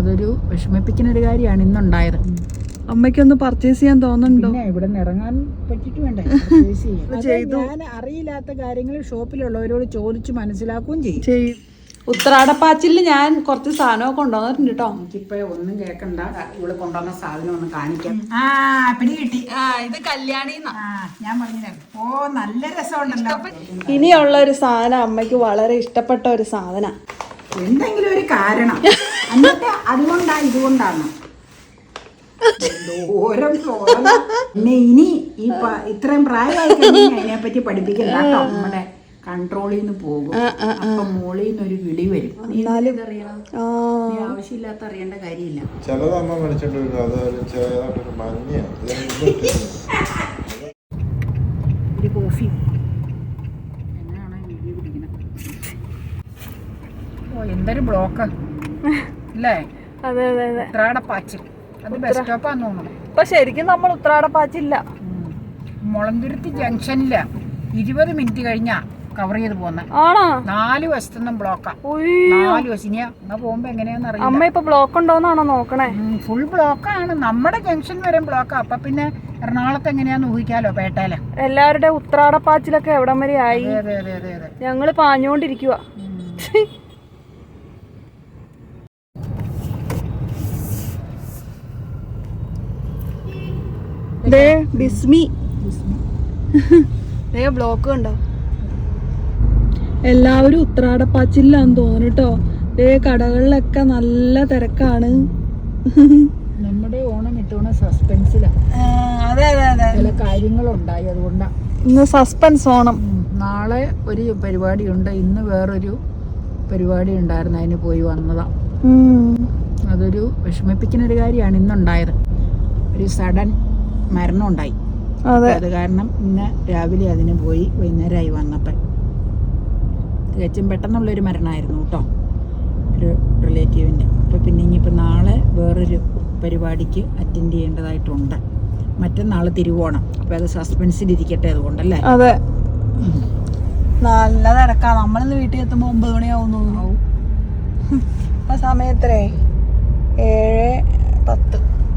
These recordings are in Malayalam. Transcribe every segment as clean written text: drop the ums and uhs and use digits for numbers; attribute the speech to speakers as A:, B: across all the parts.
A: അതൊരു വിഷമിപ്പിക്കുന്ന ഒരു കാര്യമാണ് ഇന്നുണ്ടായത്.
B: അമ്മയ്ക്കൊന്ന് പർച്ചേസ് ചെയ്യാൻ തോന്നുന്നുണ്ടോ?
A: ഇവിടെ നിന്ന് ഇറങ്ങാൻ പറ്റിട്ട് വേണ്ടേ ഞാൻ അറിയില്ലാത്ത കാര്യങ്ങൾ ഷോപ്പിലുള്ളവരോട് ചോദിച്ചു മനസ്സിലാക്കുകയും ചെയ്യും.
B: ഉത്രാടപ്പാച്ചില് ഞാൻ കുറച്ച് സാധനമൊക്കെ കൊണ്ടുവന്നിട്ടുണ്ട് കേട്ടോ.
A: എനിക്കിപ്പോ ഒന്നും കേൾക്കണ്ട, ഇവിടെ കൊണ്ടുവന്ന സാധനം ഒന്ന് കാണിക്കാം. പിടി കിട്ടി.
B: ഇത് കല്യാണി
A: ഞാൻ പറഞ്ഞു. ഓ നല്ല രസമുണ്ടല്ലോ.
B: ഇനിയുള്ള ഒരു സാധനം അമ്മയ്ക്ക് വളരെ ഇഷ്ടപ്പെട്ട ഒരു സാധന.
A: എന്തെങ്കിലും ഒരു കാരണം എന്നിട്ട് ഇതുകൊണ്ടാണ് പിന്നെ ഇനി ഇത്രയും പ്രായമായി കഴിഞ്ഞാൽ അതിനെപ്പറ്റി പഠിപ്പിക്കണ്ട കേട്ടോ. നമ്മുടെ കൺട്രോളിൽ നിന്ന് പോകും. അപ്പൊ മോളിൽ നിന്നൊരു വിളി വരും. ആവശ്യമില്ലാത്ത അറിയേണ്ട കാര്യമില്ല. ഒരു കോഫി എങ്ങനെയാണോ വീഡിയോ പിടിക്കുന്നത്? ഓ എന്തൊരു ബ്ലോക്ക് അല്ലേ?
B: അതെ അതെ അതെ.
A: ഉത്രാടപ്പാച്ചിൽ അത് ബസ് സ്റ്റോപ്പാന്ന് തോന്നുന്നു.
B: ഇപ്പൊ ശരിക്കും നമ്മൾ ഉത്രാടപ്പാച്ചില്ല,
A: മുളന്തുരുത്തി ജംഗ്ഷനില്ല 20 മിനിറ്റ് കഴിഞ്ഞാ കവർ ചെയ്ത് പോകുന്ന. 4 വശത്തുനിന്നും ബ്ലോക്കാ. 4 വശം. ഇനി അങ്ങ് പോകുമ്പോ എങ്ങനെയാന്ന് അറിയാം.
B: അമ്മ ഇപ്പൊ ബ്ലോക്ക് ഉണ്ടോന്നാണോ നോക്കണേ?
A: ഫുൾ ബ്ലോക്കാണ്. നമ്മുടെ ജംഗ്ഷൻ വരെ ബ്ലോക്കാ. അപ്പൊ പിന്നെ എറണാകുളത്ത് എങ്ങനെയാന്ന് ഊഹിക്കാലോ. പേട്ടയില്
B: എല്ലാവരുടെ ഉത്രാടപ്പാച്ചിലൊക്കെ എവിടം വരെ ആയി?
A: അതെ അതെ അതെ അതെ.
B: ഞങ്ങള് പാഞ്ഞോണ്ടിരിക്കുവാ. ബ്ലോക്ക് ഉണ്ടോ? എല്ലാവരും ഉത്രാടപ്പാച്ചില്ലാന്ന് തോന്നുന്നു കേട്ടോ. കടകളിലൊക്കെ നല്ല തിരക്കാണ്.
A: നമ്മുടെ ഓണം ഇട്ടോണ സസ്പെൻസിലാണ്.
B: അതെ അതെ അതെ.
A: ചില കാര്യങ്ങളുണ്ടായി, അതുകൊണ്ടാണ്
B: ഇന്ന് സസ്പെൻസ് ഓണം.
A: നാളെ ഒരു പരിപാടിയുണ്ട്, ഇന്ന് വേറൊരു പരിപാടി ഉണ്ടായിരുന്നു, അതിന് പോയി വന്നതാ. അതൊരു വിഷമിപ്പിക്കുന്ന ഒരു കാര്യമാണ് ഇന്നുണ്ടായത്. ഒരു സഡൻ മരണം ഉണ്ടായി. അത് കാരണം ഇന്ന് രാവിലെ അതിന് പോയി, വൈകുന്നേരമായി വന്നപ്പോൾ. തികച്ചും പെട്ടെന്നുള്ളൊരു മരണമായിരുന്നു കേട്ടോ, ഒരു റിലേറ്റീവിൻ്റെ. അപ്പോൾ പിന്നെ ഇനിയിപ്പോൾ നാളെ വേറൊരു പരിപാടിക്ക് അറ്റൻഡ് ചെയ്യേണ്ടതായിട്ടുണ്ട്. മറ്റന്നാൾ തിരുവോണം. അപ്പോൾ അത് സസ്പെൻസിലിരിക്കട്ടെ, അതുകൊണ്ടല്ലേ.
B: അതെ, നല്ല തിരക്കാണ്. നമ്മളിന്ന് വീട്ടിൽ എത്തുമ്പോൾ 9 മണിയാവും തോന്നുന്നു. ആ സമയത്തേ 7:10.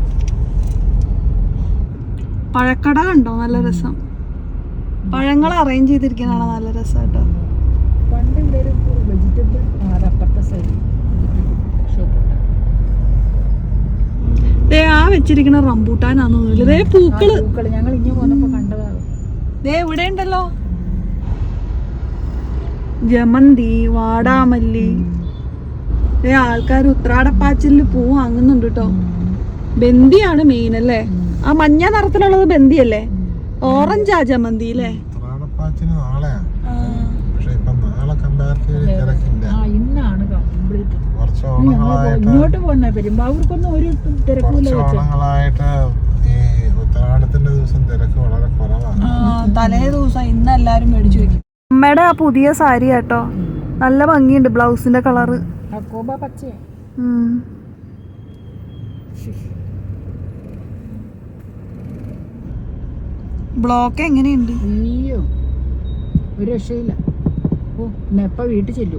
B: പഴക്കട കണ്ടോ? നല്ല രസം. പഴങ്ങൾ അറേഞ്ച് ചെയ്തിരിക്കുന്നതാണ് നല്ല രസം കേട്ടോ.
A: പണ്ട് ഇവിടെ ഒരു വെജിറ്റബിൾ അപ്പുറത്തെ സൈഡ് ഷോപ്പുണ്ട്.
B: ആ വെച്ചിരിക്കുന്ന റംബൂട്ടാനാന്ന് തോന്നുന്നില്ല. പൂക്കള്
A: ഞങ്ങൾ ഇങ്ങനെ പോന്നപ്പോ കണ്ടതാണ്.
B: ഇവിടെ ഉണ്ടല്ലോ ജമന്തി, വാടാമല്ലി. ആൾക്കാർ ഉത്രാടപ്പാച്ചില് പൂ വാങ്ങുന്നുണ്ട് കേട്ടോ. ബന്ദിയാണ് മെയിൻ അല്ലേ? ആ മഞ്ഞ നിറത്തിലുള്ളത് ബന്ദിയല്ലേ? ഓറഞ്ചാ ജമന്തി അല്ലേ?
A: ഇങ്ങോട്ട് പോന്ന പെരുമ്പാവൂർക്കൊന്നും ഒരു തിരക്കില്ല.
B: തലേ ദിവസം ഇന്ന് എല്ലാരും മേടിച്ചു വെക്കും. അമ്മയുടെ ആ പുതിയ സാരി കേട്ടോ, നല്ല ഭംഗിയുണ്ട്. ബ്ലൗസിന്റെ കളറ്
A: പച്ച.
B: ബ്ലോക്ക് എങ്ങനെയുണ്ട്?
A: അയ്യോ ഒരു രക്ഷയില്ല. ഓ എപ്പ വീട്ടിൽ ചെല്ലുവോ?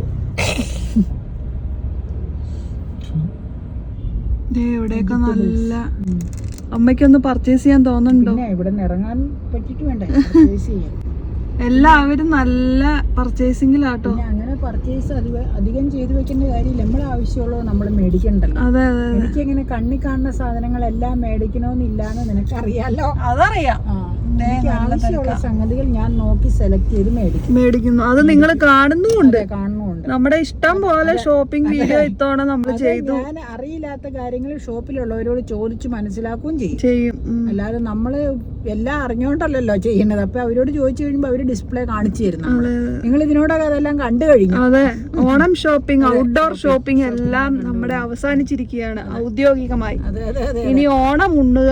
B: ഇവിടെയൊക്കെ നല്ല. അമ്മയ്ക്കൊന്ന് പർച്ചേസ് ചെയ്യാൻ തോന്നുന്നുണ്ടോ?
A: ഇവിടെ നിന്ന് ഇറങ്ങാൻ പറ്റിട്ട് വേണ്ടേ പർച്ചേസ് ചെയ്യാൻ.
B: എല്ലാവരും നല്ല പർച്ചേസിംഗിലാട്ടോ.
A: അങ്ങനെ പർച്ചേസ് അധികം ചെയ്തു വെക്കേണ്ട കാര്യമില്ല. നമ്മൾ ആവശ്യമുള്ളത് നമ്മൾ മേടിക്കണ്ടല്ലോ.
B: അതെ അതെ.
A: എനിക്ക് എങ്ങനെ കണ്ണി കാണുന്ന സാധനങ്ങളെല്ലാം മേടിക്കണമെന്നില്ലാന്ന് നിനക്കറിയാലോ.
B: അതറിയാം.
A: എനിക്ക് ആവശ്യമുള്ള സംഗതികൾ ഞാൻ നോക്കി സെലക്ട് ചെയ്ത്
B: മേടിക്കുന്നു. അത് നിങ്ങൾ കാണുന്നുമുണ്ട്.
A: നമ്മുടെ
B: ഇഷ്ടം പോലെ ഷോപ്പിംഗ് വീഡിയോ ഇത്തവണ നമ്മൾ ചെയ്തു.
A: ഞാൻ അറിയില്ലാത്ത കാര്യങ്ങൾ ഷോപ്പിലുള്ളവരോട് ചോദിച്ചു മനസ്സിലാക്കുകയും ചെയ്യും. അല്ലാതെ നമ്മള് എല്ലാം അറിഞ്ഞോണ്ടല്ലോ ചെയ്യുന്നത്. അപ്പൊ അവരോട് ചോദിച്ചു കഴിയുമ്പോ അവര് ഡിസ്പ്ലേ കാണിച്ചു തരുന്നു. നിങ്ങൾ ഇതിനോടൊക്കെ അതെല്ലാം കണ്ടു കഴിഞ്ഞു.
B: അതെ, ഓണം ഷോപ്പിംഗ്, ഔട്ട്ഡോർ ഷോപ്പിംഗ് എല്ലാം നമ്മുടെ അവസാനിച്ചിരിക്കുകയാണ് ഔദ്യോഗികമായി. ഇനി ഓണം ഉണ്ണുക.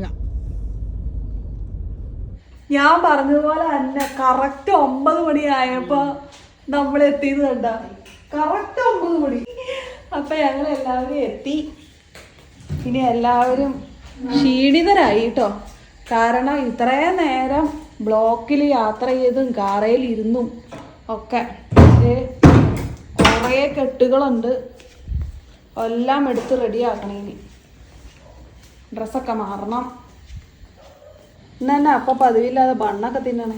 B: ഞാൻ പറഞ്ഞതുപോലെ തന്നെ കറക്റ്റ് 9 മണിയായപ്പോ നമ്മൾ എത്തിയത് കണ്ട. കറക്റ്റ് 9 മണി. അപ്പൊ ഞങ്ങൾ എല്ലാവരും എത്തി. ഇനി എല്ലാവരും ക്ഷീണിതരായി കേട്ടോ. കാരണം ഇത്രയും നേരം ബ്ലോക്കിൽ യാത്ര ചെയ്തും കാറയിൽ ഇരുന്നും ഒക്കെ കുറേ കെട്ടുകളുണ്ട്. എല്ലാം എടുത്ത് റെഡിയാക്കണം. ഇനി ഡ്രസ്സൊക്കെ മാറണം. ഇന്നെ അപ്പം പതിവില്ലാതെ ബണ്ണൊക്കെ തിന്നണേ.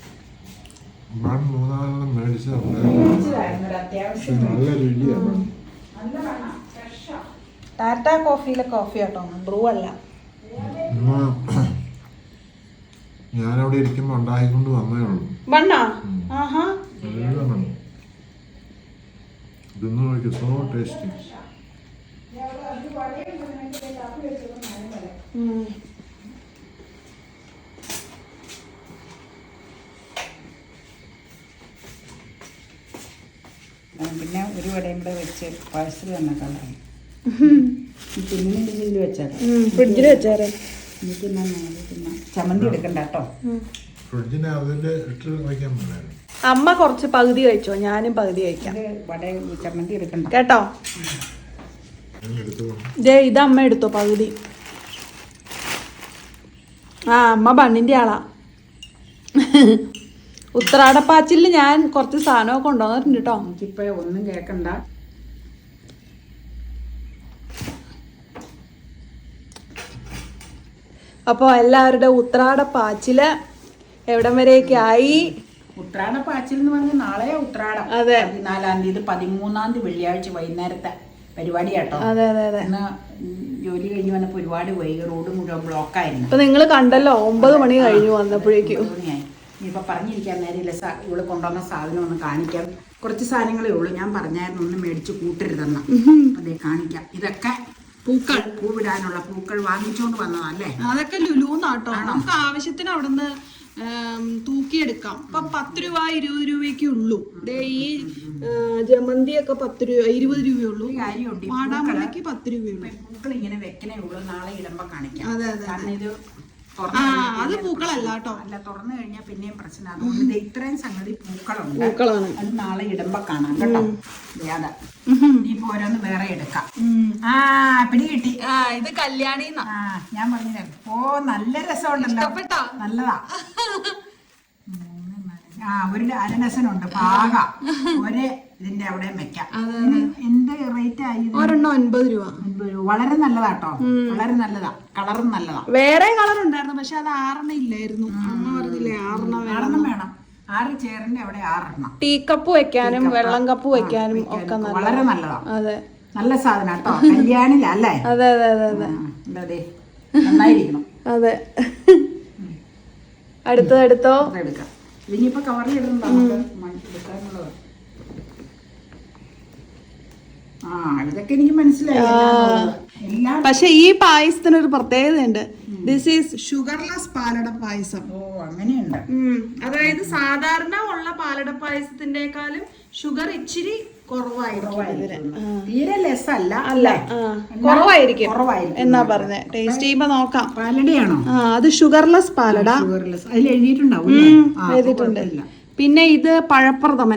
B: ടാറ്റ കോഫിയിലെ കോഫി കേട്ടോ, ബ്രൂ അല്ല.
C: ഞാനവിടെ ഇരിക്കുമ്പോ ഉണ്ടാക്കിക്കൊണ്ട് വന്നേ ഉള്ളൂ.
B: ബണ്ണാ? ആഹാ,
C: സോ ടേസ്റ്റി.
A: പിന്നെ ഒരു വടയും കൂടെ വെച്ച് പാഴ്സൽ തന്നെ കളയാം. പിന്നിൽ വെച്ചേക്കാം,
B: ഫ്രിഡ്ജിൽ വെച്ചേരെ.
A: ചമ്മന്തി എടുക്കണ്ട കേട്ടോ.
B: അമ്മ കുറച്ച് പകുതി കഴിച്ചോ, ഞാനും പകുതി കഴിക്കാം.
A: വട ചമ്മന്തി എടുക്കണ്ട
B: കേട്ടോ. ഇത് അമ്മ എടുത്തോ പകുതി. ആ, അമ്മ ബണ്ണിന്റെ ആളാ. ഉത്രാടപ്പാച്ചില് ഞാൻ കുറച്ച് സാധനമൊക്കെ കൊണ്ടുവന്നിട്ടുണ്ട് കേട്ടോ.
A: എനിക്കിപ്പോ ഒന്നും കേക്കണ്ട.
B: അപ്പോൾ എല്ലാവരുടെ ഉത്രാടപ്പാച്ചില് എവിടം വരെയൊക്കെ ആയി?
A: ഉത്രാടപ്പാച്ചിൽ എന്ന് പറഞ്ഞാൽ നാളെയാ ഉത്രാടം.
B: അതെ,
A: 14-ാം തീയതി 13-ാം തീയതി വെള്ളിയാഴ്ച വൈകുന്നേരത്തെ പരിപാടി കേട്ടോ.
B: അതെ അതെ അതെ.
A: ഇന്ന് ജോലി കഴിഞ്ഞ് വന്നപ്പോൾ ഒരുപാട് വൈകി, റോഡ് മുഴുവൻ ബ്ലോക്കായിരുന്നു.
B: ഇപ്പൊ നിങ്ങൾ കണ്ടല്ലോ, 9 മണി കഴിഞ്ഞു വന്നപ്പോഴേക്കും.
A: ഇനിയിപ്പോൾ പറഞ്ഞിരിക്കാൻ നേരമില്ല. ഇവിടെ കൊണ്ടുവന്ന സാധനം ഒന്ന് കാണിക്കാം. കുറച്ച് സാധനങ്ങളേ ഉള്ളൂ. ഞാൻ പറഞ്ഞായിരുന്നു ഒന്ന് മേടിച്ച് കൂട്ടരുതെന്ന്. അതെ, കാണിക്കാം. ഇതൊക്കെ പൂക്കൾ, പൂവിടാനുള്ള പൂക്കൾ വാങ്ങിച്ചോണ്ട് വന്നതല്ലേ.
B: അതൊക്കെ ലുലൂന്നാട്ടോ. നമുക്ക് ആവശ്യത്തിന് അവിടുന്ന് തൂക്കിയെടുക്കാം. ഇപ്പൊ 10 രൂപ 20 രൂപയ്ക്ക് ഉള്ളൂ. ഈ ജമന്തിയൊക്കെ 10 രൂപ 20 രൂപയുള്ളൂ.
A: കാര്യമുണ്ട്,
B: വാടാമുളയ്ക്ക് 10 രൂപയുള്ളൂ.
A: പൂക്കൾ ഇങ്ങനെ വെക്കണേ ഉള്ളൂ. നാളെ ഇടുമ്പോ കാണിക്കാം.
B: അതെ അതെ.
A: കാരണം ഇത്
B: അത് പൂക്കളല്ല കേട്ടോ.
A: അല്ല, തുറന്നു കഴിഞ്ഞാൽ പിന്നെയും പ്രശ്നം. അതുകൊണ്ട് ഇത്രയും സംഗതി പൂക്കളുണ്ട്.
B: പൂക്കളാണ്.
A: അത് നാളെ ഇടുമ്പോ കാണാം കേട്ടോ. അതെ, ഇനിയിപ്പോ ഓരോന്ന് വേറെ എടുക്കാം. പിടി കിട്ടി.
B: ഇത് കല്യാണി.
A: ഞാൻ പറഞ്ഞില്ലേ, നല്ല രസമുണ്ടല്ലോ. നല്ലതാ. ഒരു അരഡസനുണ്ട്. പാക ഒരേ ഇതിന്റെ അവിടെ വെക്കാം. എന്ത് റേറ്റ് ആയി?
B: ഒരെണ്ണം 50 രൂപ.
A: വളരെ നല്ലതാട്ടോ, വളരെ നല്ലതാ. കളറും നല്ലതാ.
B: വേറെ കളർ ഉണ്ടായിരുന്നു, പക്ഷെ അത് 6 ഇല്ലായിരുന്നു. അമ്മ പറഞ്ഞില്ലേ 6
A: വേണം. 6 ചെയറിന്റെ അവിടെ 6.
B: ടീ കപ്പ് വെക്കാനും വെള്ളം കപ്പ് വെക്കാനും ഒക്കെ
A: വളരെ നല്ലതാ.
B: അതെ,
A: നല്ല സാധനം കേട്ടോ. കല്യാണിലല്ലേ?
B: അതെ അതെ അതെ അതെ.
A: നന്നായിരിക്കണം.
B: അതെ. അടുത്തോ
A: എടുക്കാം. ഇനിയിപ്പോ കവറിൽ ഇടുന്നുണ്ടോ നമുക്ക് എടുക്കാനുള്ളത്? ഇതൊക്കെ എനിക്ക് മനസ്സിലായി.
B: പക്ഷെ ഈ പായസത്തിന് ഒരു പ്രത്യേകതയുണ്ട്. This is sugarless palada payasam.
A: അങ്ങനെയുണ്ട്.
B: അതായത് സാധാരണ ഉള്ള പാലട പായസത്തിന്റെക്കാളും ഷുഗർ ഇച്ചിരി കുറവായിരിക്കും.
A: തീരെ ലെസ് അല്ല,
B: കുറവായിരിക്കും എന്നാ പറഞ്ഞേ. ടേസ്റ്റ് ചെയ്യുമ്പോ നോക്കാം.
A: പാലടയാണോ?
B: അത് ഷുഗർലെസ് പാലട.
A: അതിൽ എഴുതിയിട്ടുണ്ടാവും.
B: എഴുതിയിട്ടുണ്ട്. പിന്നെ ഇത് പഴപ്രഥമൻ.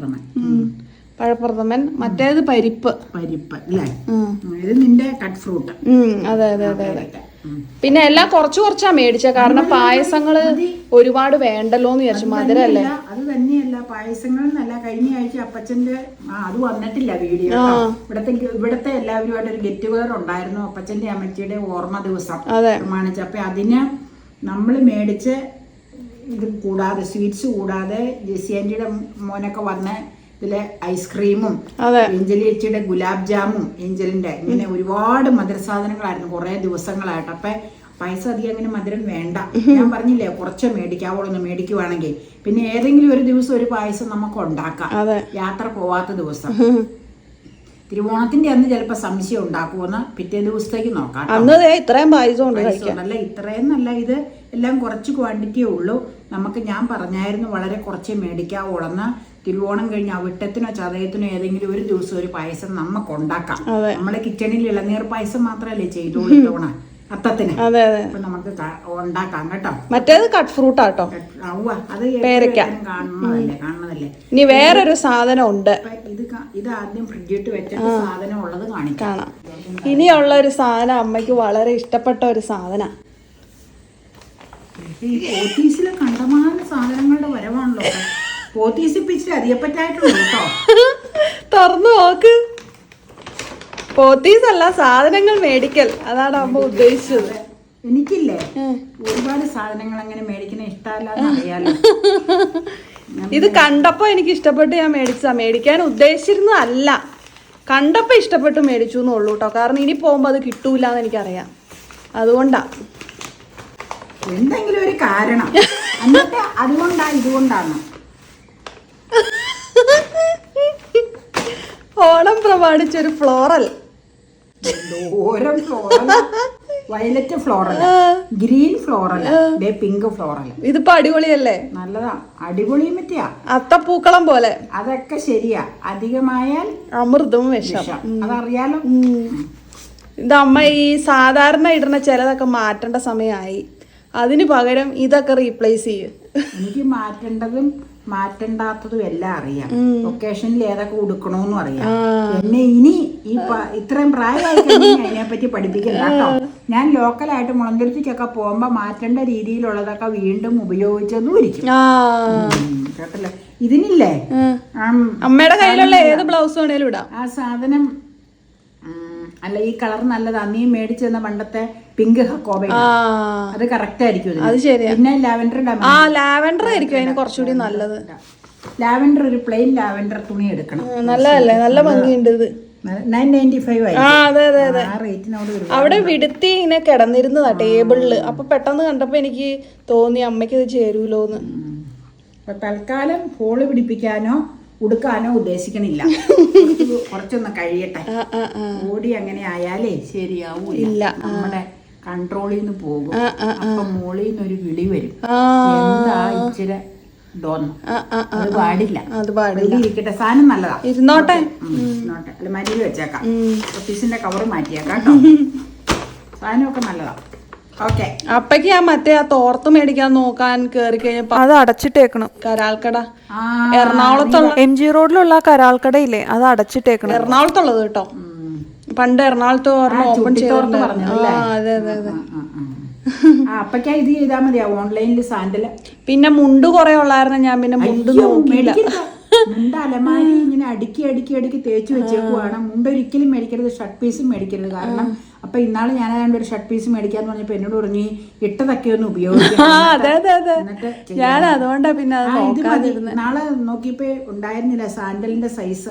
B: മറ്റേത് പരിപ്പ്
A: അല്ലേ? ഇത് നിന്റെ കട്ട് ഫ്രൂട്ട്.
B: അതെ അതെ അതെ അതെ. പിന്നെ എല്ലാം കുറച്ചാ മേടിച്ച, കാരണം പായസങ്ങള് ഒരുപാട് വേണ്ടല്ലോ എന്ന് വിചാരിച്ചു. മധുരല്ലേ?
A: അത് തന്നെയല്ല, പായസങ്ങൾ എന്നല്ല. കഴിഞ്ഞ ആഴ്ച അപ്പച്ചന്റെ അത് വന്നിട്ടില്ല വീഡിയോ. ഇവിടത്തെ എല്ലാവരുമായിട്ട് ഒരു ഗെറ്റ് ടുഗദർ ഉണ്ടായിരുന്നു. അപ്പച്ചന്റെ അമ്മച്ചിയുടെ ഓർമ്മ ദിവസം പ്രമാണിച്ച്. അപ്പൊ അതിന് നമ്മൾ മേടിച്ച് ഇത് കൂടാതെ, സ്വീറ്റ്സ് കൂടാതെ, ജെസ്സി ആന്റിയുടെ മോനൊക്കെ വന്ന് ഇതിലെ ഐസ്ക്രീമും, ഏഞ്ചലി ചേച്ചിയുടെ ഗുലാബ് ജാമും, ഏഞ്ചലിന്റെ ഇങ്ങനെ ഒരുപാട് മധുരസാധനങ്ങളായിരുന്നു കുറെ ദിവസങ്ങളായിട്ട്. അപ്പൊ പൈസ അധികം അങ്ങനെ മധുരം വേണ്ട. ഞാൻ പറഞ്ഞില്ലേ, കുറച്ച് മേടിക്കാവോളൊന്ന് മേടിക്കുവാണെങ്കിൽ. പിന്നെ ഏതെങ്കിലും ഒരു ദിവസം ഒരു പായസം നമുക്ക് ഉണ്ടാക്കാം, യാത്ര പോവാത്ത ദിവസം. തിരുവോണത്തിന്റെ അന്ന് ചിലപ്പോ സംശയം ഉണ്ടാക്കുമെന്ന് പിറ്റേ ദിവസത്തേക്ക് നോക്കാം.
B: ഇത്രയും പായസം
A: അല്ല, ഇത്രയും നല്ല. ഇത് എല്ലാം കുറച്ച് ക്വാണ്ടിറ്റിയേ ഉള്ളൂ. നമുക്ക് ഞാൻ പറഞ്ഞായിരുന്നു വളരെ കുറച്ച് മേടിക്കാവോളെന്ന്. തിരുവോണം കഴിഞ്ഞ് അവിട്ടത്തിനോ ചതയത്തിനോ ഏതെങ്കിലും ഒരു ദിവസം ഒരു പായസം നമുക്ക് ഉണ്ടാക്കാം. നമ്മളെ കിച്ചണിൽ ഇളനീർ പായസം മാത്രമല്ലേ ചെയ്തോളൂ തവണ അത്തത്തിന്. അപ്പൊ നമുക്ക് ഉണ്ടാക്കാം കേട്ടോ.
B: മറ്റേത് കട്ട് ഫ്രൂട്ട് ആട്ടോ.
A: അത് കാണുന്നതല്ലേ.
B: ഇനി വേറൊരു സാധനം ഉണ്ട്.
A: ഇത് ആദ്യം ഫ്രിഡ്ജിട്ട് വെച്ചിട്ട് സാധനം ഉള്ളത് കാണിക്കാം.
B: ഇനിയുള്ള ഒരു സാധനം അമ്മയ്ക്ക് വളരെ ഇഷ്ടപ്പെട്ട ഒരു സാധന.
A: ഈ ഓഫീസിലെ കണ്ടമാന സാധനങ്ങളുടെ വരവാണല്ലോ. പോത്തീസ് പിച്ചിട്ട് അധികപ്പറ്റായിട്ടുള്ളൂ കേട്ടോ.
B: തുറന്നു നോക്ക്. പോത്തീസ് അല്ല, സാധനങ്ങൾ മേടിക്കൽ, അതാണ് അമ്മ ഉദ്ദേശിച്ചത്.
A: എനിക്കില്ലേ ഒരുപാട് സാധനങ്ങൾ അങ്ങനെ മേടിക്കുന്ന ഇഷ്ടമല്ലാന്ന് അറിയാലോ.
B: ഇത് കണ്ടപ്പോ എനിക്ക് ഇഷ്ടപ്പെട്ട് ഞാൻ മേടിച്ചതാ. മേടിക്കാൻ ഉദ്ദേശിച്ചിരുന്നതല്ല, കണ്ടപ്പോ ഇഷ്ടപ്പെട്ട് മേടിച്ചു എന്നുള്ളൂ കേട്ടോ. കാരണം ഇനി പോകുമ്പോ അത് കിട്ടൂല എന്ന് എനിക്കറിയാം, അതുകൊണ്ടാ.
A: എന്തെങ്കിലും ഒരു കാരണം, എന്നിട്ട് അതുകൊണ്ടാ ഇതുകൊണ്ടാണ്.
B: ഓണം പ്രമാണിച്ചൊരു ഫ്ലോറൽ,
A: ഓരോ floral, violet floral, green floral, pink floral.
B: ഇതിപ്പോ അടിപൊളിയല്ലേ?
A: നല്ലതാ, അടിപൊളിയും പറ്റിയാ.
B: അത്തപ്പൂക്കളം പോലെ.
A: അതൊക്കെ ശരിയാ, അധികമായാൽ
B: അമൃതവും വിഷം,
A: അതറിയാലോ.
B: ഇത് അമ്മ ഈ സാധാരണ ഇടുന്ന ചിലതൊക്കെ മാറ്റേണ്ട സമയമായി, അതിന് പകരം ഇതൊക്കെ റീപ്ലേസ് ചെയ്യും.
A: എനിക്ക് മാറ്റേണ്ടതും മാറ്റണ്ടാത്തതും എല്ലാം അറിയാം. ഒക്കേഷനിൽ ഏതൊക്കെ ഉടുക്കണോന്നും അറിയാം. എന്നെ ഇനി ഈ ഇത്രയും പ്രായമായി കഴിഞ്ഞാൽ അതിനെപ്പറ്റി പഠിപ്പിക്കണ്ട കേട്ടോ. ഞാൻ ലോക്കലായിട്ട് മുളന്തുരുത്തിക്കൊക്കെ പോകുമ്പോ മാറ്റേണ്ട രീതിയിലുള്ളതൊക്കെ വീണ്ടും ഉപയോഗിച്ചെന്നും ഇരിക്കും കേട്ടല്ലേ. ഇതിനില്ലേ
B: അമ്മയുടെ കയ്യിലുള്ള ഏത് ബ്ലൗസ് വേണേലും ഇടാം.
A: ആ സാധനം അല്ല, ഈ കളർ നല്ലതാ. നീ മേടിച്ചു തന്ന പണ്ടത്തെ പിങ്ക് ഹക്കോബ, അത് കറക്റ്റ് ആയിരിക്കും.
B: അത് ശരിയാ.
A: പിന്നെ ലാവൻഡർ,
B: ലാവൻഡർ ആയിരിക്കും അതിന് കുറച്ചുകൂടി നല്ലത്.
A: ലാവൻഡർ, ഒരു പ്ലെയിൻ ലാവൻഡർ തുണി എടുക്കണം.
B: നല്ലതല്ലേ, നല്ല ഭംഗിയുണ്ട് ഇത്.
A: 995 ആയി.
B: അതെ അതെ അതെ.
A: ആ റേറ്റിനോട്
B: അവിടെ വിടുത്തി ഇങ്ങനെ കിടന്നിരുന്നതാ ടേബിളില്. അപ്പൊ പെട്ടെന്ന് കണ്ടപ്പോ എനിക്ക് തോന്നി അമ്മയ്ക്ക് ഇത് ചേരൂലോന്ന്.
A: അപ്പൊ തൽക്കാലം ഫോള് പിടിപ്പിക്കാനോ ഉടുക്കാനോ ഉദ്ദേശിക്കണില്ല. കുറച്ചൊന്ന് കഴിയട്ടെ. ഓടി അങ്ങനെ ആയാലേ ശരിയാവൂല, നമ്മുടെ കൺട്രോളിൽ നിന്ന് പോകും. അപ്പൊ മോളിൽ നിന്നൊരു വിളി വരും, എന്താ ഇച്ചിരി ഡോന്ന്. അത് പാടില്ല, ഇരിക്കട്ടെ. സാധനം നല്ലതാ,
B: ഇരുന്നോട്ടെ.
A: അല്ല മരിയിൽ വെച്ചേക്കാം. ഓഫീസിന്റെ കവർ മാറ്റിയേക്കാം കേട്ടോ. സാധനമൊക്കെ നല്ലതാ. ഓക്കെ.
B: അപ്പക്ക് ഞാൻ മറ്റേ ആ തോർത്ത് മേടിക്കാൻ നോക്കാൻ കേറി കഴിഞ്ഞപ്പോ അത് അടച്ചിട്ടേക്കണം. കരാൾക്കട, എറണാകുളത്തുള്ള MG റോഡിലുള്ള കരാൾക്കടയില്ലേ, അത് അടച്ചിട്ടേക്കണം. എറണാകുളത്തുള്ളത് കേട്ടോ. പണ്ട് എറണാകുളത്ത് ഓപ്പൺ ചെയ്തോർന്ന്. അതെ അതെ അതെ.
A: അപ്പക്കാ ഇത് ചെയ്താ മതിയാ ഓൺലൈനിൽ സാൻഡല്.
B: പിന്നെ മുണ്ട് കുറെ ഉള്ളായിരുന്നു, ഞാൻ പിന്നെ മുണ്ട് നോക്കിയില്ല.
A: മുണ്ട് അലമാരി ഇങ്ങനെ അടുക്കി അടുക്കി അടുക്കി തേച്ച് വെച്ചേക്കുവാണ്. മുണ്ട് ഒരിക്കലും മേടിക്കരുത്, ഷർട്ട് പീസും മേടിക്കരുത്. കാരണം അപ്പൊ ഇന്നാള് ഞാൻ ഏതാണ്ട് ഒരു ഷർട്ട് പീസ് മേടിക്കാന്ന് പറഞ്ഞപ്പോ എന്നോട് പറഞ്ഞു ഇട്ടതൊക്കെ ഒന്ന് ഉപയോഗിക്കാം.
B: ഞാൻ അതുകൊണ്ടാ പിന്നെ
A: നാളെ നോക്കിയപ്പോ ഉണ്ടായിരുന്നില്ല സാൻഡലിന്റെ സൈസ്.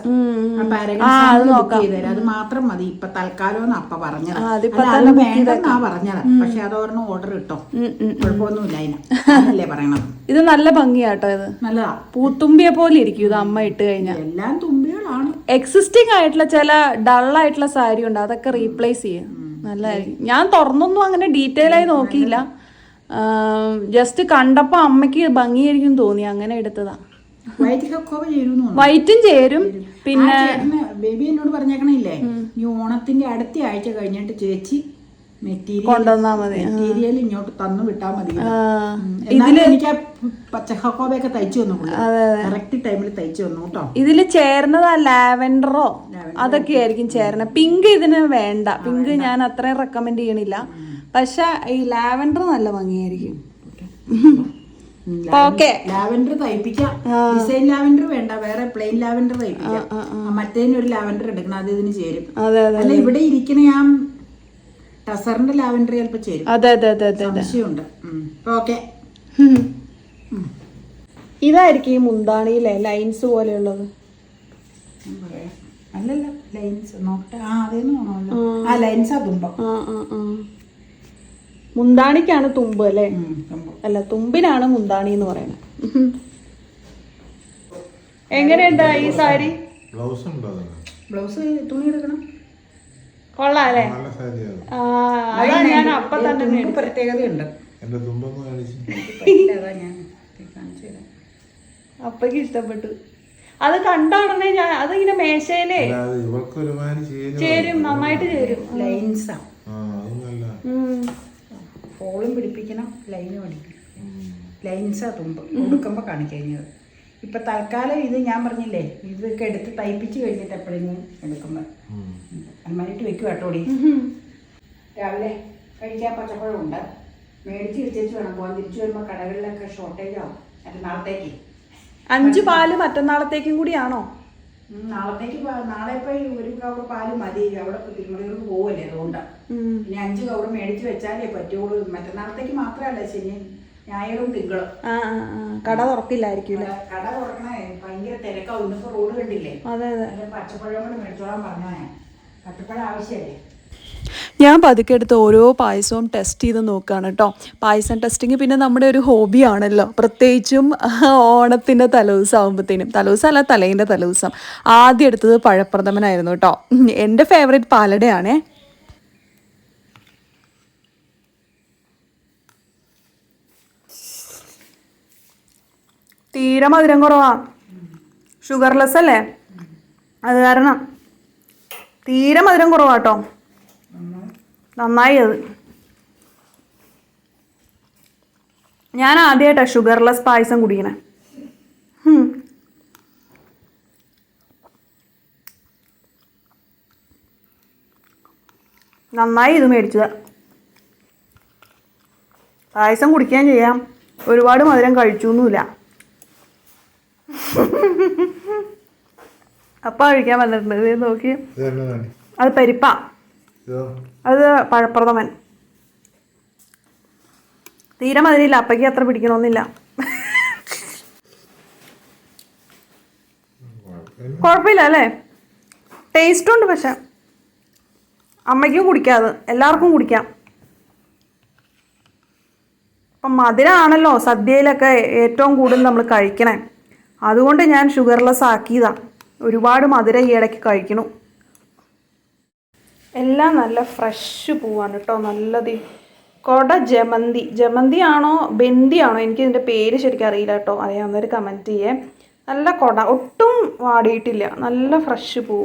A: അത് മാത്രം മതി ഇപ്പൊ തൽക്കാലം അപ്പ പറഞ്ഞത്. അത് വേണ്ടെന്നാ പറഞ്ഞത്. പക്ഷെ അതോർന്ന് ഓർഡർ ഇട്ടോ, കുഴപ്പമൊന്നുമില്ല അതിനല്ലേ പറയണത്.
B: ഇത് നല്ല ഭംഗിയാട്ടോ. ഇത്
A: നല്ലതാ,
B: പൂത്തുമ്പിയെ പോലെ ഇരിക്കും ഇത് അമ്മ ഇട്ട് കഴിഞ്ഞാൽ.
A: എല്ലാം തുമ്പികളാണ്.
B: എക്സിസ്റ്റിംഗ് ആയിട്ടുള്ള ചില ഡള്ളായിട്ടുള്ള സാരി ഉണ്ട്, അതൊക്കെ റീപ്ലേസ് ചെയ്യും. നല്ലതായിരിക്കും. ഞാൻ തുറന്നൊന്നും അങ്ങനെ ഡീറ്റെയിൽ ആയി നോക്കിയില്ല, ജസ്റ്റ് കണ്ടപ്പോ അമ്മയ്ക്ക് ഭംഗിയായിരിക്കും തോന്നി, അങ്ങനെ എടുത്തതാ. വൈറ്റും ചേരും. പിന്നെ
A: ബേബി എന്നോട് പറഞ്ഞേക്കണില്ലേ, ഈ ഓണത്തിന്റെ അടുത്ത ആഴ്ച കഴിഞ്ഞിട്ട് ചേച്ചി
B: കൊണ്ടുവന്നാ മതി,
A: മെറ്റീരിയൽ ഇങ്ങോട്ട് തന്നു വിട്ടാ മതി. ഇതില് എനിക്ക് പച്ചക്കോബയൊക്കെ തയ്ച്ചു തന്നു, കറക്റ്റ് ടൈമിൽ തയ്ച്ചു തന്നു കേട്ടോ.
B: ഇതില് ചേർന്നത് ആ ലാവൻഡറോ അതൊക്കെ ആയിരിക്കും ചേരണ. പിങ്ക് ഇതിന് വേണ്ട, പിങ്ക് ഞാൻ അത്രയും റെക്കമെൻഡ് ചെയ്യണില്ല. പക്ഷെ ഈ ലാവൻഡർ നല്ല ഭംഗിയായിരിക്കും.
A: ലാവൻഡർ തയ്പ്പിക്കാം. ഡിസൈൻ ലാവൻഡർ വേണ്ട, വേറെ പ്ലെയിൻ ലാവൻഡർ തയ്പ്പിക്കാം. മറ്റേതിനൊരു ലാവൻഡർ എടുക്കണം, അത് ഇതിന് ചേരും. അല്ല ഇവിടെ ഇരിക്കണ ഞാൻ ടസറിന്റെ ലാവൻഡർ ചിലപ്പോ ചേരും. സംശയമുണ്ട്. ഓക്കെ.
B: ഇതായിരിക്കും ഈ മുന്താണിയിലെ ലൈൻസ് പോലെയുള്ളത്.
A: അല്ലല്ല, ലൈൻസ് നോക്കട്ടെ. അതേന്ന് തോന്നണല്ലോ. ആ ലൈൻസാ തുമ്പം.
B: മുന്താണിക്കാണ് തുമ്പ് അല്ലേ? അല്ല, തുമ്പിനാണ് മുന്താണി എന്ന് പറയുന്നത്. എങ്ങനെയുണ്ട് ഈ സാരി?
A: ബ്ലൗസ് തുണി എടുക്കണം.
B: കൊള്ളാല്ലേ? അതാ ഞാൻ അപ്പൊ തന്നെ
A: പ്രത്യേകതയുണ്ട്.
B: അപ്പക്ക് ഇഷ്ടപ്പെട്ടു. അത് കണ്ട ഉടനെ ഞാൻ അതിങ്ങനെ മേശയിലേ ചേരും, നന്നായിട്ട് ചേരും.
A: ലൈൻസാ, ഫോളും പിടിപ്പിക്കണം, ലൈനും അടിക്കണം. ലൈൻസാ തുമ്പ് കൊടുക്കുമ്പോ കാണിക്കഴിഞ്ഞത്. ഇപ്പൊ തൽക്കാലം ഇത് ഞാൻ പറഞ്ഞില്ലേ, ഇതൊക്കെ എടുത്ത് തയ്പ്പിച്ച് കഴിഞ്ഞിട്ട് എപ്പോഴെങ്കിലും എടുക്കുമ്പോ അന്മാരിട്ട് വെക്കും കേട്ടോടി. രാവിലെ കഴിക്കാൻ പച്ചപ്പഴമുണ്ട്, മേടിച്ച് വെച്ചേച്ച് വേണം പോകാൻ. തിരിച്ചു വരുമ്പോ കടകളിലൊക്കെ ഷോർട്ടേജ് ആവും. മറ്റന്നാളത്തേക്ക്
B: 5 പാല് മറ്റന്നാളത്തേക്കും കൂടിയാണോ?
A: നാളെ ഇപ്പൊ ഒരു കവർ പാല് മതി. അവിടെ തിരുമലയൂർക്ക് പോവല്ലേ, അതുകൊണ്ടാണ്. ഇനി 5 കവർ മേടിച്ച് വെച്ചാലേ പറ്റുള്ളൂ. മറ്റന്നാളത്തേക്ക് മാത്രമല്ല, ശനി ഞായറും തിങ്കളും
B: കട തുറക്കില്ലായിരിക്കും.
A: കട തുറക്കണേ ഭയങ്കര തിരക്കാവും. ഇന്നിപ്പോ റോഡ് കണ്ടില്ലേ.
B: അതെ അതെ.
A: പച്ചപ്പഴം കൂടെ മേടിച്ചോളാൻ പറഞ്ഞേ, പച്ചപ്പഴം ആവശ്യമല്ലേ.
B: ഞാൻ പതുക്കെ എടുത്ത് ഓരോ പായസവും ടെസ്റ്റ് ചെയ്ത് നോക്കുകയാണ് കേട്ടോ. പായസം ടെസ്റ്റിങ് പിന്നെ നമ്മുടെ ഒരു ഹോബിയാണല്ലോ, പ്രത്യേകിച്ചും ഓണത്തിൻ്റെ തലേദിവസം ആകുമ്പോഴത്തേനും. തലേദിവസമല്ല, തലേൻ്റെ തലേദിവസം ആദ്യം എടുത്തത് പഴപ്രഥമനായിരുന്നു കേട്ടോ. എൻ്റെ ഫേവറേറ്റ് പാലടയാണേ. തീരെ മധുരം കുറവാ, ഷുഗർലെസ് അല്ലേ, അത് കാരണം തീരെ മധുരം കുറവാട്ടോ. നന്നായി അത്. ഞാൻ ആദ്യമായിട്ടാണ് ഷുഗർലെസ് പായസം കുടിക്കണേ. നന്നായി ഇത് മേടിച്ചത്. പായസം കുടിക്കാൻ ചെയ്യാം, ഒരുപാട് മധുരം കഴിച്ചൊന്നുമില്ല. അപ്പ കഴിക്കാൻ വന്നിട്ടുണ്ട്. ഇത് നോക്കി, അത് പരിപ്പാ, അത് പഴപ്രഥമൻ. തീരെ മധുരമില്ല, അപ്പയ്ക്ക് അത്ര പിടിക്കണമെന്നില്ല. കുഴപ്പമില്ല അല്ലേ, ടേസ്റ്റ് ഉണ്ട്. പക്ഷെ അമ്മയ്ക്കും കുടിക്കാതെ, എല്ലാവർക്കും കുടിക്കാം. അപ്പം മധുരമാണല്ലോ സദ്യയിലൊക്കെ ഏറ്റവും കൂടുതൽ നമ്മൾ കഴിക്കണേ. അതുകൊണ്ട് ഞാൻ ഷുഗർലെസ് ആക്കിയതാണ്. ഒരുപാട് മധുരം ഈ ഇടയ്ക്ക് കഴിക്കണം. എല്ലാം നല്ല ഫ്രഷ് പൂവാണ് കേട്ടോ, നല്ലത്. കൊട ജമന്തി, ജമന്തി ആണോ ബന്തി ആണോ, എനിക്ക് ഇതിൻ്റെ പേര് ശരിക്കും അറിയില്ല കേട്ടോ. അറിയാവുന്നവർ കമൻറ്റ് ചെയ്യേ. നല്ല കൊട, ഒട്ടും വാടിയിട്ടില്ല, നല്ല ഫ്രഷ് പൂവ്.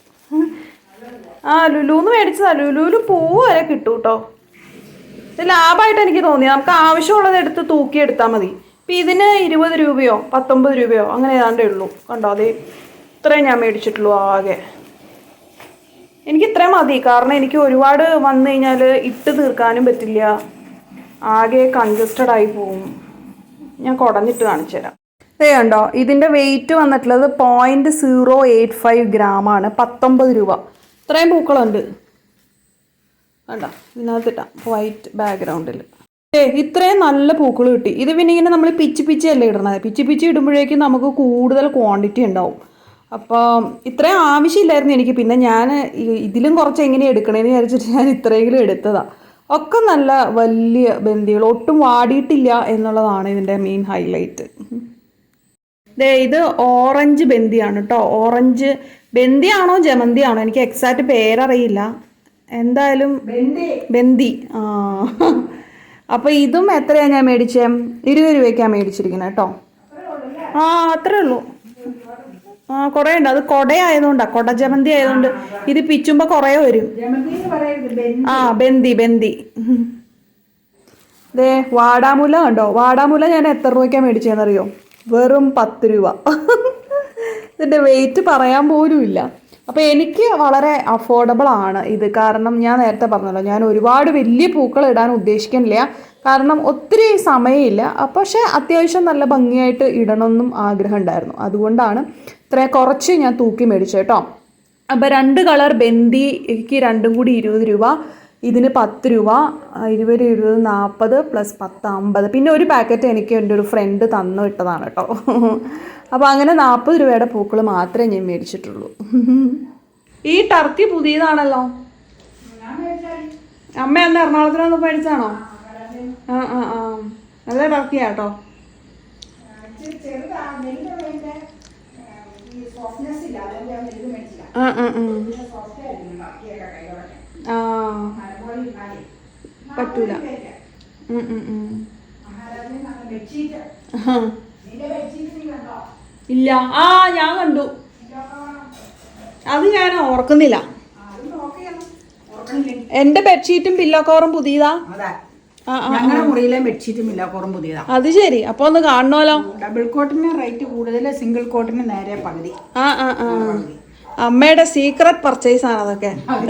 B: ലുലുന്ന് മേടിച്ചതാ. ലുലുവിൽ പൂവ് വരെ കിട്ടും കേട്ടോ. ഇത് ലാഭമായിട്ട് എനിക്ക് തോന്നി. നമുക്ക് ആവശ്യമുള്ളത് എടുത്ത് തൂക്കിയെടുത്താൽ മതി. ഇപ്പം ഇതിന് 20 രൂപയോ 19 രൂപയോ അങ്ങനെ ഏതാണ്ടേ ഉള്ളൂ. കണ്ടോ, അത് ഇത്രയും ഞാൻ മേടിച്ചിട്ടുള്ളൂ ആകെ. എനിക്ക് ഇത്രയും മതി, കാരണം എനിക്ക് ഒരുപാട് വന്നു കഴിഞ്ഞാൽ ഇട്ട് തീർക്കാനും പറ്റില്ല, ആകെ കൺജസ്റ്റഡ് ആയി പോവും. ഞാൻ കുടഞ്ഞിട്ട് കാണിച്ചു തരാം. ഇതേ കണ്ടോ, ഇതിൻ്റെ വെയിറ്റ് വന്നിട്ടുള്ളത് 0.085 ഗ്രാമാണ്. 19 രൂപ. ഇത്രയും പൂക്കളുണ്ട് കണ്ടോ, ഇതിനകത്തിട്ടാ വൈറ്റ് ബാക്ക്ഗ്രൗണ്ടിൽ. ഇത്രയും നല്ല പൂക്കൾ കിട്ടി. ഇത് പിന്നെ ഇങ്ങനെ നമ്മൾ പിച്ചി അല്ലേ ഇടണത്. പിച്ചി ഇടുമ്പോഴേക്കും നമുക്ക് കൂടുതൽ ക്വാണ്ടിറ്റി ഉണ്ടാവും. അപ്പോൾ ഇത്രയും ആവശ്യമില്ലായിരുന്നു എനിക്ക്. പിന്നെ ഞാൻ ഇതിലും കുറച്ച് എങ്ങനെ എടുക്കണേന്ന് വിചാരിച്ചിട്ട് ഞാൻ ഇത്രയെങ്കിലും എടുത്തതാണ്. ഒക്കെ നല്ല വലിയ ബന്ദികൾ, ഒട്ടും വാടിയിട്ടില്ല എന്നുള്ളതാണ് ഇതിൻ്റെ മെയിൻ ഹൈലൈറ്റ്. ഇത് ഓറഞ്ച് ബന്ദിയാണ് കേട്ടോ. ഓറഞ്ച് ബന്ദിയാണോ ജമന്തിയാണോ എനിക്ക് എക്സാക്റ്റ് പേരറിയില്ല, എന്തായാലും ബന്ദി. അപ്പോൾ ഇതും എത്രയാണ് ഞാൻ മേടിച്ചേ? 20 രൂപയ്ക്കാണ് മേടിച്ചിരിക്കുന്നത് കേട്ടോ. അത്രേ ഉള്ളൂ. കുറേ ഉണ്ട്. അത് കൊടയായതുകൊണ്ടാണ്, കൊട ജമന്തി ആയതുകൊണ്ട് ഇത് പിച്ചുമ്പോൾ കുറേ വരും. ബന്ദി. ദേ വാടാമുല കണ്ടോ, വാടാമുല ഞാൻ എത്ര രൂപയ്ക്കാണ് മേടിച്ചതെന്നറിയോ? വെറും 10 രൂപ. ഇതിൻ്റെ വെയിറ്റ് പറയാൻ പോലും ഇല്ല. അപ്പോൾ എനിക്ക് വളരെ അഫോർഡബിൾ ആണ് ഇത്. കാരണം ഞാൻ നേരത്തെ പറഞ്ഞല്ലോ, ഞാൻ ഒരുപാട് വലിയ പൂക്കൾ ഇടാൻ ഉദ്ദേശിക്കുന്നില്ല, കാരണം ഒത്തിരി സമയമില്ല. പക്ഷേ അത്യാവശ്യം നല്ല ഭംഗിയായിട്ട് ഇടണമെന്നും ആഗ്രഹം ഉണ്ടായിരുന്നു. അതുകൊണ്ടാണ് ഇത്രയും കുറച്ച് ഞാൻ തൂക്കി മേടിച്ചത് കേട്ടോ. അപ്പോൾ 2 കളർ ബന്ദിക്ക് രണ്ടും കൂടി 20 രൂപ, ഇതിന് 10 രൂപ. 20 20 40 + 10 50. പിന്നെ ഒരു പാക്കറ്റ് എനിക്ക് എൻ്റെ ഒരു ഫ്രണ്ട് തന്നു വിട്ടതാണ് കേട്ടോ. അപ്പോൾ അങ്ങനെ 40 രൂപയുടെ പൂക്കൾ മാത്രമേ ഞാൻ മേടിച്ചിട്ടുള്ളൂ. ഈ ടർക്കി പുതിയതാണല്ലോ. അമ്മ എന്താ എറണാകുളത്തിനൊന്ന് മേടിച്ചാണോ? നല്ല ടർക്കിയാട്ടോ. പറ്റൂല. ഇല്ല. ഞാൻ കണ്ടു. അത് ഞാൻ ഓർക്കുന്നില്ല. എന്റെ ബെഡ്ഷീറ്റും പില്ലോ കവറും പുതിയതാ.
A: ഞങ്ങളുടെ മുറിയിലെ ബെഡ്ഷീറ്റും പില്ലോ കവറും പുതിയതാ.
B: അത് ശരി. അപ്പൊ ഒന്ന് കാണണമല്ലോ.
A: ഡബിൾ കോട്ടിന് റേറ്റ് കൂടുതൽ, സിംഗിൾ കോട്ടിന് നേരെ പകുതി.
B: അമ്മയുടെ സീക്രട്ട് പർച്ചേസ് ആണ് അതൊക്കെ.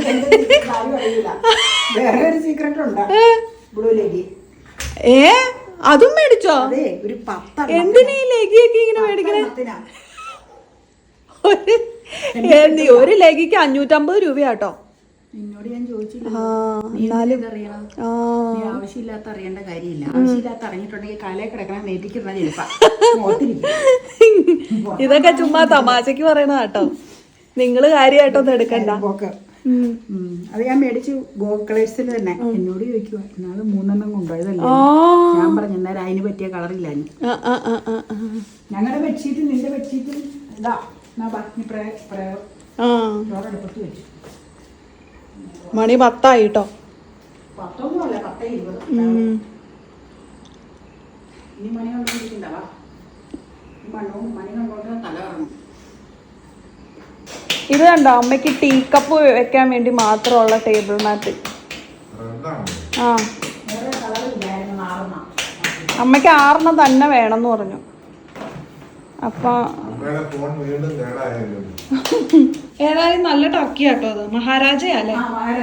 A: വേറെ ഒരു സീക്രട്ട് ഉണ്ട്, ബ്ലൂ ലെഗി.
B: അതും മേടിച്ചോ?
A: ഒരു 10.
B: എന്തിനാ ഈ ലെഗിയൊക്കെ ഇങ്ങനെ മേടിക്കണേ? ഒരു ലെഗിക്ക് 550 രൂപയാട്ടോ.
A: നിന്നോട് ഞാൻ ചോദിച്ചില്ല.
B: ആ
A: നീ
B: എന്നാലും
A: അറിയണം.
B: ആ
A: നീ ആവശ്യമില്ലാത്ത അറിയേണ്ട കാര്യമില്ല. ആവശ്യമില്ലാത്ത അറിഞ്ഞിട്ടുണ്ടെങ്കിൽ കാലേ കിടക്കണം നേറ്റിക്കുന്ന ചിലപ്പോ.
B: ഇതൊക്കെ ചുമ്മാ തമാശക്ക് പറയണ കേട്ടോ, നിങ്ങള് കാര്യമായിട്ടൊന്നും എടുക്കണ്ട.
A: അത് ഞാൻ മേടിച്ചു ഗോക്കളേഴ്സിൽ തന്നെ. എന്നോട് ചോദിക്കുക എന്നാള് 3 കൊണ്ടുപോയതല്ലേ. ഞാൻ പറഞ്ഞു എന്നാലും അതിന് പറ്റിയ കളറില്ല. ഞങ്ങളുടെ ബെഡ്ഷീറ്റ് നിന്റെ ബെഡ്ഷീറ്റും ഇതാ ചോറെടുപ്പത്ത് വെച്ചു.
B: മണി 10 ആയിട്ടോ.
A: 10 10:20. ഇനി മണി കൊണ്ടിരിക്കണ്ടവാ. മണി കൊണ്ടോണ്ട് തല ഇറങ്ങും.
B: ഇത് കണ്ടോ, അമ്മയ്ക്ക് ടീ കപ്പ് വെക്കാൻ വേണ്ടി മാത്രമുള്ള ടേബിൾ മാറ്റ്. ആ അമ്മയ്ക്ക് 6 തന്നെ വേണമെന്ന് പറഞ്ഞു. അപ്പൊ ഏതായാലും നല്ല ടർക്കി കേട്ടോ അത്. മഹാരാജയല്ലേ?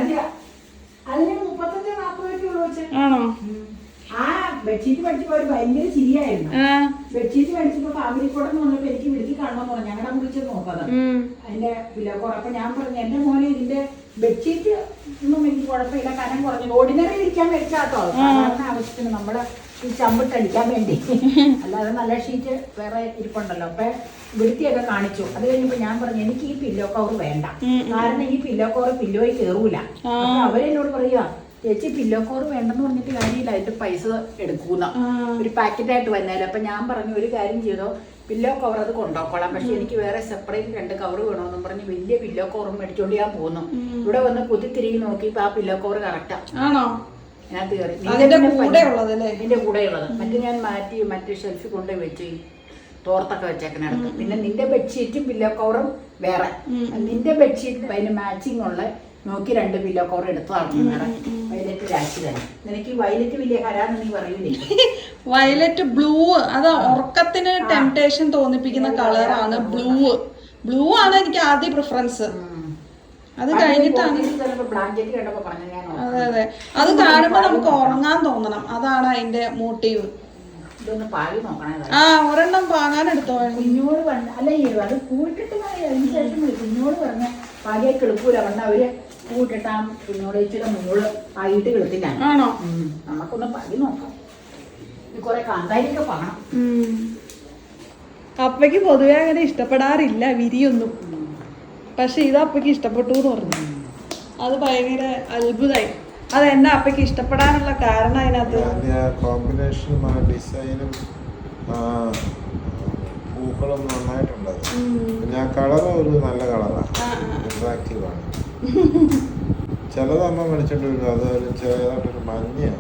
B: ആണോ?
A: ആ ബെഡ്ഷീറ്റ് മേടിച്ചപ്പോ ഒരു ഭയങ്കര ചിരിയായിരുന്നു. ബെഡ്ഷീറ്റ് മേടിച്ചപ്പോ ഫാമിലി കൂടെ വന്നപ്പോ എനിക്ക് വിളിച്ച് കാണണമെന്ന് പറഞ്ഞു. ഞങ്ങളുടെ വിളിച്ച് നോക്കാതെ അതിന്റെ വിലക്കുറ. അപ്പൊ ഞാൻ പറഞ്ഞു എന്റെ മോനെ ഇതിന്റെ ബെഡ്ഷീറ്റ് ഒന്നും എനിക്ക് കുഴപ്പമില്ല, കനം കുറഞ്ഞു. ഓർഡിനറി ഇരിക്കാൻ മേടിച്ചാട്ടോ, സാധാരണ ആവശ്യത്തിന് നമ്മുടെ ഈ ചമ്പിട്ടടിക്കാൻ വേണ്ടി. അല്ലാതെ നല്ല ഷീറ്റ് വേറെ ഇരിപ്പുണ്ടല്ലോ. അപ്പൊ വൃത്തിയൊക്കെ കാണിച്ചു. അത് കഴിഞ്ഞപ്പോ ഞാൻ പറഞ്ഞു എനിക്ക് ഈ പില്ലോ കവർ വേണ്ട, കാരണം ഈ പില്ലോ കവർ പില്ലോയിൽ കയറൂല. അപ്പൊ അവരെന്നോട് പറയുക ചേച്ചി പില്ലോ കവർ വേണ്ടെന്ന് പറഞ്ഞിട്ട് കാര്യമില്ല, അതിന്റെ പൈസ എടുക്കൂന്ന ഒരു പാക്കറ്റായിട്ട് വന്നാലും. അപ്പൊ ഞാൻ പറഞ്ഞു ഒരു കാര്യം ചെയ്തോ, പില്ലോ കവർ അത് കൊണ്ടുപോക്കോളാം, പക്ഷെ എനിക്ക് വേറെ സെപ്പറേറ്റ് 2 കവർ വേണമെന്നും പറഞ്ഞ് വലിയ പില്ലോ കവറും മേടിച്ചോണ്ട് ഞാൻ പോന്നു. ഇവിടെ വന്ന് കുത്തിത്തിരികി നോക്കിയപ്പോ ആ പില്ലോ കവർ കറക്റ്റാ. അതിനകത്ത് കയറി ഇതിന്റെ കൂടെയുള്ളത്. മറ്റേ ഞാൻ മാറ്റി മറ്റേ ഷെൽഫിൽ കൊണ്ടുപോയി വെച്ച് തോർത്തൊക്കെ വെച്ചേക്കനടുത്ത്. പിന്നെ നിന്റെ ബെഡ്ഷീറ്റും പില്ലോ കവറും വേറെ. നിന്റെ ബെഡ്ഷീറ്റ് അതിന് മാച്ചിങ് ഉള്ള നോക്കി 2 പില്ലോ കവർ എടുത്തതാണ്. വയലറ്റ് രാശി തന്നെ. നിനക്ക് വയലറ്റ് വലിയ ഹരാന്ന് നീ പറയൂലേ?
B: വയലറ്റ് ബ്ലൂ, അത് ഉറക്കത്തിന് ടെംപ്ടേഷൻ തോന്നിപ്പിക്കുന്ന കളറാണ് ബ്ലൂ. ബ്ലൂ ആണ് എനിക്ക് ആദ്യ പ്രിഫറൻസ്. അത് കഴിഞ്ഞിട്ടാണ് അതെ അതെ അത് കാണുമ്പോ നമുക്ക് ഉറങ്ങാൻ തോന്നണം. അതാണ് അതിന്റെ മോട്ടീവ്. ആ ഒരെണ്ണം പാങ്ങാൻ എടുത്തോ.
A: കുഞ്ഞോട് അല്ല അത് കൂട്ടിട്ട് അതിന് ശേഷം കുഞ്ഞോട് പറഞ്ഞ പാലിയെ കിളുക്കൂല. പറഞ്ഞ അവര് കൂട്ടിട്ടാ കുഞ്ഞോട് ഇച്ചിരി മുന്നോട് ആയിട്ട് കിളത്തില്ല.
B: ആണോ?
A: നമുക്കൊന്ന് പതി നോക്കാം. കൊറേ കാന്താരിയൊക്കെ പാണം.
B: അപ്പയ്ക്ക് പൊതുവെ അങ്ങനെ ഇഷ്ടപ്പെടാറില്ല വിരിയൊന്നും. പക്ഷെ ഇത് അപ്പയ്ക്ക് ഇഷ്ടപ്പെട്ടു എന്ന് പറഞ്ഞു. അത് ഭയങ്കര അത്ഭുതമായി. അത് എന്നെ അപ്പയ്ക്ക് ഇഷ്ടപ്പെടാനുള്ള കാരണം അതിനകത്ത്
C: കോമ്പിനേഷനും ഡിസൈനും പൂക്കളും നന്നായിട്ടുണ്ട്. ഞാൻ കളർ ഒരു നല്ല കളറാണ്, അട്രാക്റ്റീവ് ആണ്. ചിലത് അമ്മ മേടിച്ചിട്ട് വരും, അത് ചെറുതായിട്ടൊരു മഞ്ഞയാണ്.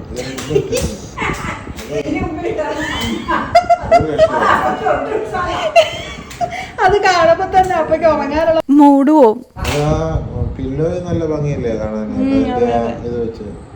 B: അത് കാണുമ്പോ തന്നെ അപ്പയ്ക്ക് ഉറങ്ങാനുള്ള മൂഡ് പോവും.
C: പില്ലോ നല്ല ഭംഗിയല്ലേ കാണാൻ ഇത് വെച്ച്.